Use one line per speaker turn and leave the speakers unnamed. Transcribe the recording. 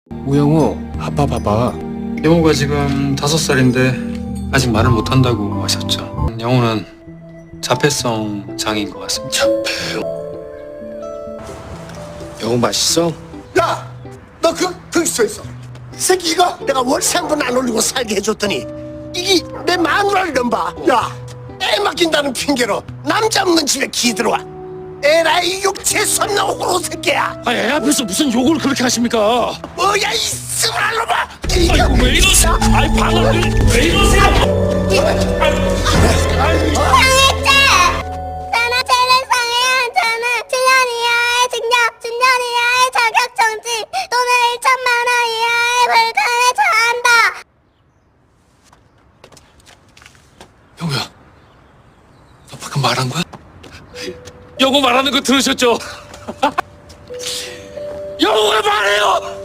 우영우, 아빠 봐봐.
영우가 지금 5살인데 아직 말을 못한다고 하셨죠. 영우는 자폐성 장애인 것 같습니다.
영우 맛있어?
야, 너 거기 서 있어. 이 새끼 이거 내가 월세 한 번 안 올리고 살게 해줬더니 이게 내 마누라를 넘봐. 야, 애 맡긴다는 핑계로 남자 없는 집에 기 들어와. 에라이 육체 손나 호로 새끼야.
아, 애 앞에서 무슨 욕을 그렇게 하십니까?
뭐야 이 스물한 놈아.
아이고, 왜 이러세요? 아이, 방을 왜 이러세요?
나는 재능상해야 한다는 7년 이하의 징역, 10년 이하의 자격정지 또는 1천만 원 이하의 벌금에 처한다.
영우야, 너 방금 말한 거야? 영우 말하는 거 들으셨죠? 영우가 말해요!